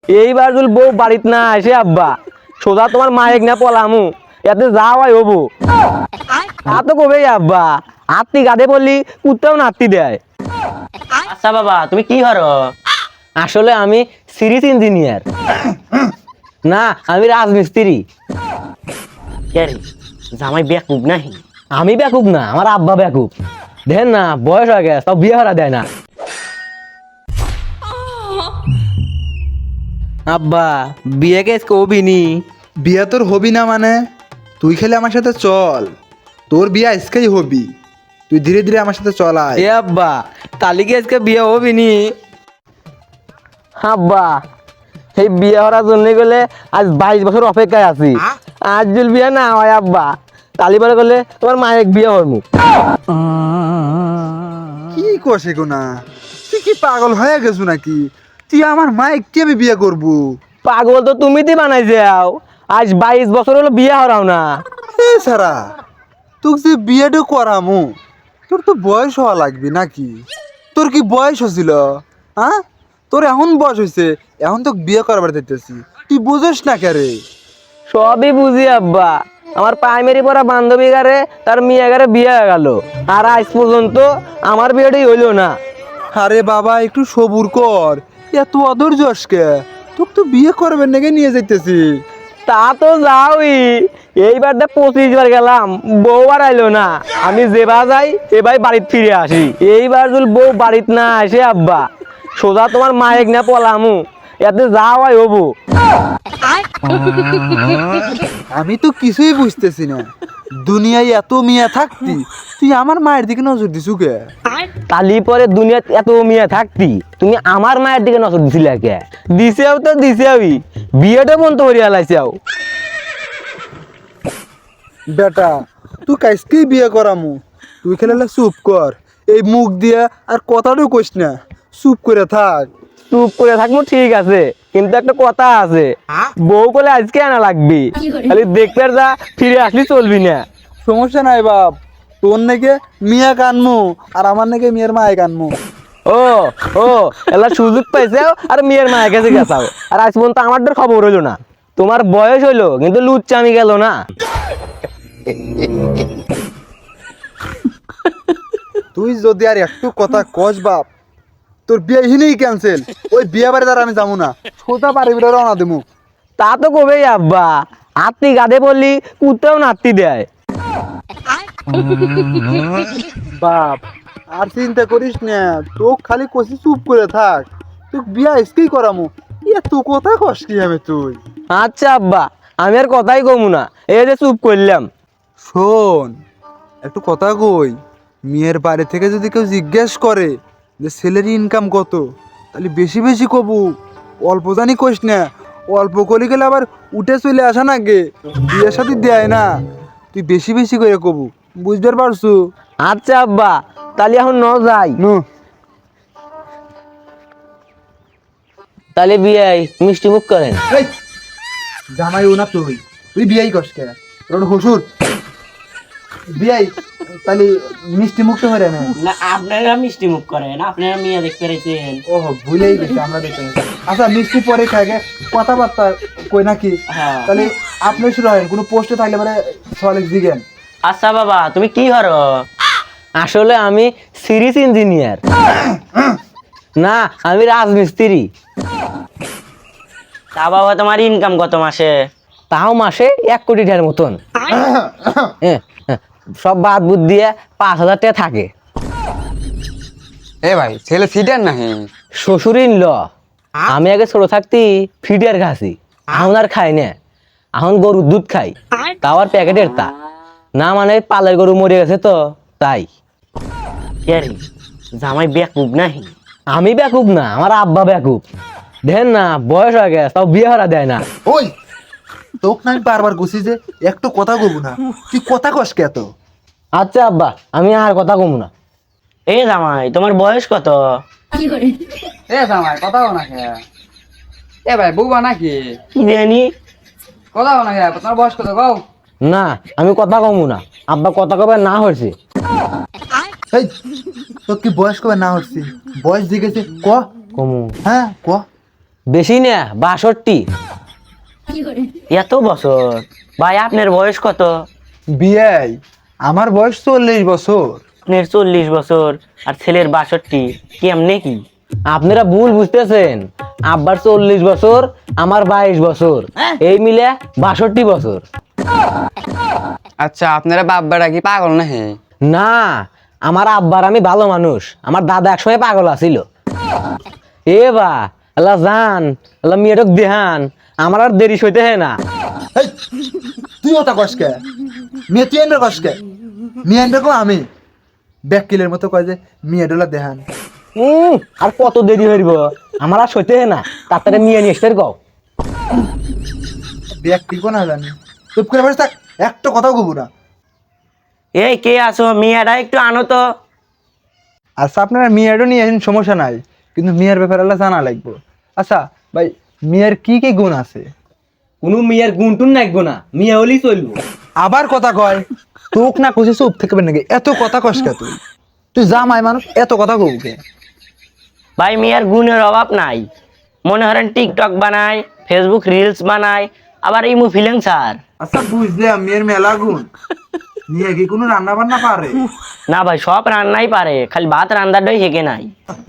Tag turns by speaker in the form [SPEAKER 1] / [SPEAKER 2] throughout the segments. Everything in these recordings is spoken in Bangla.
[SPEAKER 1] এইবার যদি বউ বাড়িত না আসে আব্বা সোজা তোমার মায়েক না পলামু এতে যাওয়াই হবো তা তো কবেই আব্বা আত্মি গাদে বললি কুত্তাও নাতি দেয়।
[SPEAKER 2] আচ্ছা বাবা তুমি কি করো?
[SPEAKER 1] আসলে আমি সিরিজ ইঞ্জিনিয়ার না, আমি রাজমিস্ত্রি।
[SPEAKER 2] কে রে, জামাই বেকুব নাহি?
[SPEAKER 1] আমি বেকুব না, আমার আব্বা বেকুব। দেন না বয়স হয়ে গেছে তাও বিয়ে হারা দেয় না। আব্বা বিয়ে কেস কবিনি।
[SPEAKER 3] বিয়া তোর হবি না মানে? তুই খেলে আমার সাথে চল, তোর বিয়া আজকেই হবি। তুই ধীরে ধীরে আমার সাথে চল আয়।
[SPEAKER 1] এ আব্বা তালি কি আজকে বিয়ে হবিনি? আব্বা এই বিয়ে হওয়ার জন্য গেলে আজ 22 বছর অপেক্ষায় আছি। আজ যদি বিয়ে না হয় আব্বা তালি পরে গেলে তোমার মায়ের বিয়ে হরমু।
[SPEAKER 3] কি কষে গো না, তুই কি পাগল হয়ে গেছো নাকি? তুই আমার মাইক কি আমি বিয়ে করবো?
[SPEAKER 1] পাগল তো তুমি তো বানাই যাও, আজ 22 বছর হলো বিয়ে হরাও না।
[SPEAKER 3] এ সারা, তোকে যে বিয়েটা করামু তোর তো বয়স হওয়া লাগবে নাকি? তোর কি বয়স হছিল? হ্যাঁ, তোর এখন বয়স হয়েছে, এখন তো বিয়ে করবার দিতেছি, তুই বুঝিস না কে রে?
[SPEAKER 1] সবই বুঝি আব্বা, আমার প্রাইমারি পড়া বান্ধবী গারে তার মেয়ে গারে বিয়ে হয়ে গেল, আর আজ পর্যন্ত আমার বিয়েটাই হইলো না।
[SPEAKER 3] আরে বাবা একটু সবুর কর, এত অধৈর্য কে? তোকে তো বিয়ে করবেন নাকি নিয়ে যাইতেছি।
[SPEAKER 1] তা তো যাওই, এইবার 25 বার গেলাম বউ আর আইলো না। আমি যেবার যাই এবার বাড়িতে ফিরে আসি। এইবার যদি বউ বাড়িতে না আসে আব্বা সোজা তোমার মায়েক না পলামু এতে যাওয়াই হবো।
[SPEAKER 3] আমি তো কিছুই বুঝতেছি না, দুনিয়ায় এত মিয়া থাকতি তুই আমার মায়ের দিকে নজর দিছু কে?
[SPEAKER 1] তালি পরে দুনিয়াত এত মেয়ে থাকতি তুমি আমার মায়ের দিকে নজর দিছিলে কে? দিছেও তো দিছেওই, বিয়েটা বন্ধ করিয়া লাইছেও।
[SPEAKER 3] বেটা তুই কাইসকেই বিয়ে করামু, তুই খেলে চুপ কর, এই মুখ দিয়া আর কথাটাও কইস না, চুপ করে থাক।
[SPEAKER 1] চুপ করে থাকবো ঠিক আছে, কিন্তু একটা কথা আছে, বউ বলে আজকে আনা লাগবি, খালি দেখতে যা ফিরে আসলি চলবি না।
[SPEAKER 3] সমস্যা নাই বাপ, তোর নাকি মিয়া কানমু আর আমার নাকি মেয়ের মায়ে কানমু।
[SPEAKER 1] ও ও এলা সুযোগ পাইছেও আর মেয়ের মায়ের কাছে গেছাও, আর আজ পর্যন্ত আমার খবর হইলো না। তোমার বয়স হইলো কিন্তু লুচ্চামি গেল না।
[SPEAKER 3] তুই যদি আর একটু কথা কস বাপ, তোর বিয়ে হিনেই ক্যান্সেল, ওই বিয়ে বাড়ি দ্বারা আমি যাবো না, সোজা বাড়ি বিড়ে রওনা দেবো।
[SPEAKER 1] তা তো কবেই আব্বা, আত্মি গাদে বললি কুত্তাও নাতি দেয়।
[SPEAKER 3] বাপ আর চিন্তা করিস না, তোক খালি কষি চুপ করে থাক, তোক বিয়া আজকেই করামু। এত কথা কস কি হবে তুই?
[SPEAKER 1] আচ্ছা আব্বা আমি আর কথাই কমু না, এই যে চুপ করলাম।
[SPEAKER 3] শোন একটু কথা কই, মেয়ের বাড়ি থেকে যদি কেউ জিজ্ঞেস করে যে ছেলের ইনকাম কত, তাহলে বেশি বেশি কবু, অল্প জানি কইস না। অল্প করি গেলে আবার উঠে চলে আসা না গে, বিয়ের সাথে দেয় না, তুই বেশি বেশি করে কবু, বুঝতে পারছু?
[SPEAKER 1] আচ্ছা আব্বা তাহলে এখন ন যাই।
[SPEAKER 3] নু
[SPEAKER 1] তাহলে বিয়ে মিষ্টি মুখ করেন।
[SPEAKER 3] এই, জামাই ও না তুই, তুই বিয়াই কস কে? তোর হসুর বিয়াই, তাহলে মিষ্টি মুক্ত হয়ে না।
[SPEAKER 2] না আপনারা মিষ্টি মুখ করেন, আপনারা মেয়ে দেখতে রয়েছেন।
[SPEAKER 3] ও ভুলেই গেছি, আমরা দেখতে গেছি। আচ্ছা মিষ্টি পরে খাগে, কথাবার্তা কই নাকি?
[SPEAKER 2] হ্যাঁ।
[SPEAKER 3] তাহলে আপনি শুরু হয়, কোনো পোস্টে থাকলে মানে সলিক দিবেন।
[SPEAKER 2] আচ্ছা বাবা তুমি কি করো?
[SPEAKER 1] আসলে আমি সিরিজ ইঞ্জিনিয়ার না, আমি রাজমিস্ত্রি।
[SPEAKER 2] তা বাবা তোমার ইনকাম কত মাসে?
[SPEAKER 1] তাও মাসে 1 কোটি টাকার মতন। হ্যাঁ, হ্যাঁ, সব বাদ বুদ দিয়ে 5,000 টাকা থাকে।
[SPEAKER 4] এ ভাই ছেলে ফিডার নাহি?
[SPEAKER 1] শ্বশুরিন ল, আমি আগে ছোট থাকতি ফিডিয়ার খাসি, এখন আর খাই না, এখন গরুর দুধ খাই, তাও আর প্যাকেটের তা না, মানে পালের গরু মরে গেছে তো তাই।
[SPEAKER 2] কে রে, জামাই বেকুব নাহি?
[SPEAKER 1] আমি বেকুব না, আমার আব্বা বেকুব। দেন না বয়স হয়ে গেছে তাও বিয়ে হারা দেয় না।
[SPEAKER 3] ওই তোক না আমি বারবার গুছি যে একটু কথা কব না, তুই কথা কস কে তো?
[SPEAKER 1] আচ্ছা আব্বা আমি আর কথা কমু না।
[SPEAKER 2] এ জামাই তোমার বয়স কত?
[SPEAKER 4] এ জামাই কথা বল না কে? এ ভাই বউবা নাকি?
[SPEAKER 2] কি জানি।
[SPEAKER 4] কথা বল না কে? তোমার বয়স কত কও?
[SPEAKER 1] না আমি কথা কমু না, আব্বা কথা কবে না হয়েছে।
[SPEAKER 3] এই তোর কি বয়স কবে না হচ্ছি? বয়স জিগেছে ক?
[SPEAKER 1] কমু
[SPEAKER 3] হ্যাঁ ক।
[SPEAKER 1] বেশি না 62।
[SPEAKER 2] এত বছর? ভাই আপনার বয়স কত?
[SPEAKER 3] বিয়াই আমার বয়স 40 বছর।
[SPEAKER 2] আপনার 40 বছর আর ছেলের 62, কেমনে কি?
[SPEAKER 1] আপনারা ভুল বুঝতেছেন, আব্বার 40 বছর, আমার 22 বছর, এই মিলে 62 বছর।
[SPEAKER 4] আচ্ছা আপনারা বাব্বাটা কি পাগল না হে?
[SPEAKER 1] না, আমার আব্বার আমি ভালো মানুষ, আমার দাদা একসময় পাগল আছিল। এ বা আল্লাহ জান, আল্লাহ মেয়েটক দেহান, আমার আর দেরি সইতে হয় না।
[SPEAKER 3] এই, তুই ওটা কসকে মেয়ে, তুই এনে কসকে মেয়ে এনে আমি ব্যাকিলের মতো কয় যে মেয়ে ডোলা দেহান।
[SPEAKER 1] আর কত দেরি হইব, আমার আর সইতে হয় না, তাড়াতাড়ি নিয়ে নিয়ে এসতে কও।
[SPEAKER 3] ব্যাকিল কোন জানি, চুপ করে বসে থাক, একটা কথাও কব না।
[SPEAKER 2] এই কে আছো, মিয়াটা একটু আনো তো।
[SPEAKER 3] আচ্ছা আপনারা মেয়েরও নিয়ে আসেন, সমস্যা নাই, কিন্তু মেয়ের ব্যাপারে আল্লাহ জানা লাগবে। আচ্ছা ভাই, মেয়ের কি কি গুণ আছে?
[SPEAKER 1] কোনো মেয়ের গুণ টুন নাকবো না, মেয়ে হলেই চলবো।
[SPEAKER 3] আবার কথা কয়, তোক না কষে চুপ থাকবে নাকি? এত কথা কসকে তুই? তুই জামাই মানুষ, এত কথা কবকে?
[SPEAKER 2] ভাই মিয়ার গুণের অভাব নাই, মনে করেন টিকটক বানায়, ফেসবুক রিলস বানায়, আবার ইমু ফিলেন্সার।
[SPEAKER 3] আচ্ছা বুঝলাম, মেয়ের মেলা গুণ। মেয়ে কি কোনো রান্না বান্না পারে?
[SPEAKER 2] না ভাই, সব রান্নাই পারে, খালি ভাত রান্নাটাই হেঁকে নাই।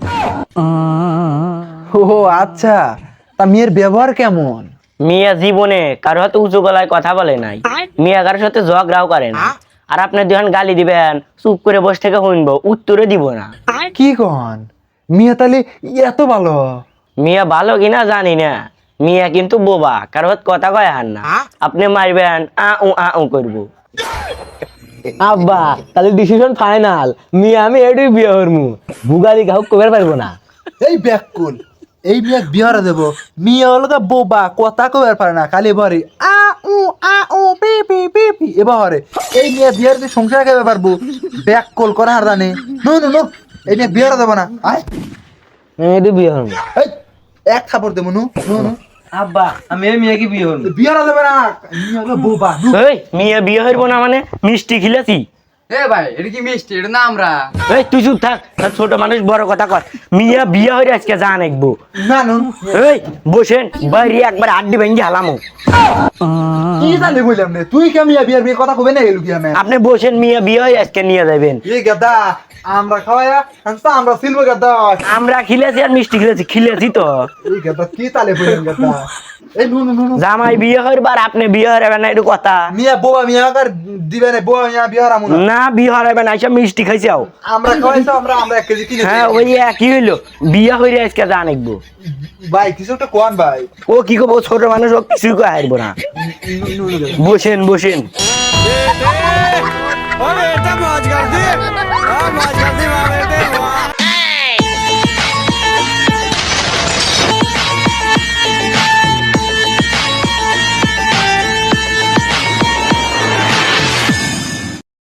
[SPEAKER 3] ও আচ্ছা, তা মেয়ের ব্যবহার কেমন?
[SPEAKER 2] মিয়া জীবনে কারো হাতে উঁচু গলায় কথা বলে নাই, মিয়া কারোর সাথে ঝগড়াও করে না। আর আপনি যখন গালি দিবেন চুপ করে বসে থেকে শুনবো, উত্তরে দিব না।
[SPEAKER 3] কি কন, মেয়ে তাহলে এত ভালো?
[SPEAKER 2] মিয়া ভালো কিনা জানি না, মিয়া কিন্তু বোবা, কারো হাত কথা কয় হার না। আপনি মারবেন আ উ করবো।
[SPEAKER 1] আব্বা তাহলে ডিসিশন ফাইনাল, মেয়ে আমি এটাই বিয়ে করমু, বুগালি কাউকে কবার পারবো না।
[SPEAKER 3] এই ব্যাকুল, এই মেয়ে বিহারে দেব, মেয়ে হলো বোবা, কথা কবার পারে না, খালি ভরে আ উ পি পি পি পি এবারে। এই মেয়ে বিহার দিয়ে সংসার খাইতে পারবো? ব্যাকুল করে আর জানে। নো নো নো, এই মেয়ে বিহারে দেবো না। আয়,
[SPEAKER 1] এটাই বিয়ে করমু।
[SPEAKER 3] এই এক থাপড় দেবো। নো নো নো,
[SPEAKER 1] আব্বা আমি এই মেয়েকে বিয়ে করবো।
[SPEAKER 3] বিহারে দেবে না, মেয়ে হলো বোবা। নো।
[SPEAKER 2] এই মিয়া বিয়ে হইব না মানে মিষ্টি খিলেছি?
[SPEAKER 4] এ ভাই এটা কি মিষ্টি? এটা না আমরা।
[SPEAKER 2] এই তুই চুপ থাক, আর ছোট মানুষ বড় কথা কর। মিয়া বিয়ে হইরে আজকে জান একবো।
[SPEAKER 3] না নো,
[SPEAKER 2] এই বসেন, বাইরে একবার আড্ডি ভেঙ্গি হালামো।
[SPEAKER 3] কি জানি বললাম রে, তুই কে মেয়ে বিয়ার বিয়ে কথা কবে না এলু কি আমি?
[SPEAKER 2] আপনি বসেন, মিয়া বিয়ে হয়ে আজকে নিয়ে যাবেন।
[SPEAKER 3] এই গাদা, আমরা খাওয়ায়া হাসতা, আমরা সিলবো গাদা।
[SPEAKER 2] আমরা খিলেছি আর মিষ্টি খিলেছি তো।
[SPEAKER 3] এই গাদা কি তালে বললাম গাদা? এই নো নো নো নো,
[SPEAKER 2] জামাই বিয়ে হইবার আর আপনি বিয়ে হইবেন না, একটু কথা।
[SPEAKER 3] মিয়া বোবা মিয়া কার দিবে না, বোবা মিয়া বিহার আমু না।
[SPEAKER 2] না বিয়ে হইবেন, আইসা মিষ্টি খাইছাও।
[SPEAKER 3] আমরা খাওয়াইছো, আমরা আমরা 1 কেজি কিনে
[SPEAKER 2] হ্যাঁ ওই একই হইলো, বিয়ে হইরে আজকে জান একবো।
[SPEAKER 3] ভাই কিছু একটা কোন ভাই।
[SPEAKER 2] ও কি করবো, ছোট মানুষ, ও কিছুই কয়ে হারবো না। বসেন বসেন।
[SPEAKER 5] ओ बेटा मौज कर दी, मौज कर दी, बेटे वाह।